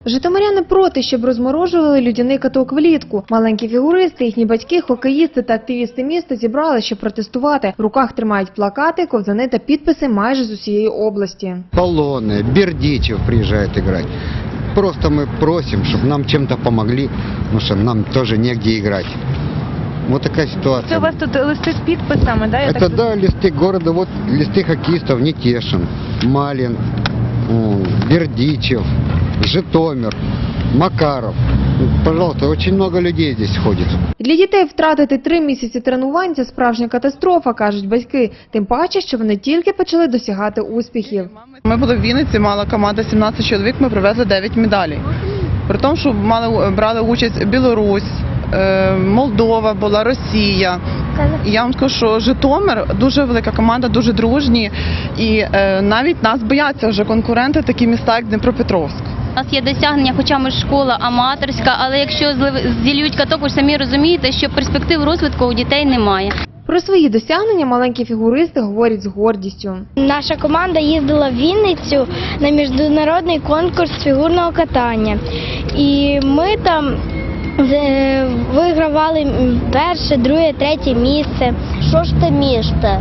Житомиряни проти, щоб розморожували людяний каток влітку. Маленькі фігуристи, їхні батьки, хокеїсти та активісти міста зібрали, щоб протестувати. В руках тримають плакати, ковзани та підписи майже з усієї області. Полоны, Бердичев приезжает играть. Просто мы просим, чтобы нам чем-то помогли, потому что нам тоже негде играть. Вот такая ситуация. Це у вас тут листи з підписами, да? Это да, листы города, вот листы хоккеистов: Нетешин, Малин, Бердичев, Житомир, Макаров. Пожалуйста, очень много людей здесь ходит. Для дітей втратити 3 місяці тренувань – це справжня катастрофа, кажуть батьки. Тим паче, що вони тільки почали досягати успіхів. Ми були в Вінниці, мала команда 17 чоловік, ми привезли 9 медалей. При тому, що брали участь Білорусь, Молдова була, Росія. І я вам скажу, що Житомир дуже велика команда, дуже дружні. І навіть нас бояться вже конкуренти, такі міста, як Дніпропетровськ. У нас є досягнення, хоча ми школа аматорська, але якщо зіллють каток, ви самі розумієте, що перспектив розвитку у дітей немає. Про свої досягнення маленькі фігуристи говорять з гордістю. Наша команда їздила в Вінницю на міжнародний конкурс фігурного катання. І ми там вигравали перше, друге, третє місце. Що ж ти місце?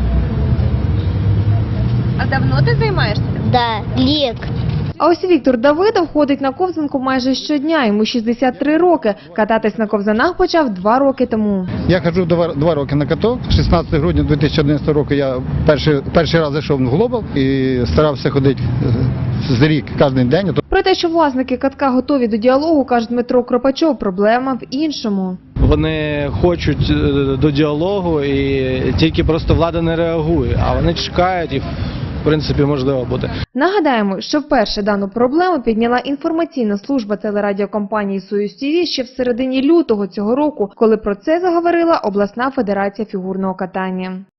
А давно ти займаєшся? Да, лік. А ось Віктор Давидов ходить на ковзанку майже щодня, йому 63 роки. Кататись на ковзанах почав 2 роки тому. Я ходжу 2 роки на каток. 16 грудня 2011 року я перший раз зайшов в Глобал і старався ходити з рік кожен день. Про те, що власники катка готові до діалогу, каже Дмитро Кропачов, проблема в іншому. Вони хочуть до діалогу і тільки просто влада не реагує, а вони чекають і в принципі можливо буде. Нагадаємо, що вперше дану проблему підняла інформаційна служба телерадіокомпанії «Союз ТВ» ще в середині лютого цього року, коли про це заговорила обласна федерація фігурного катання.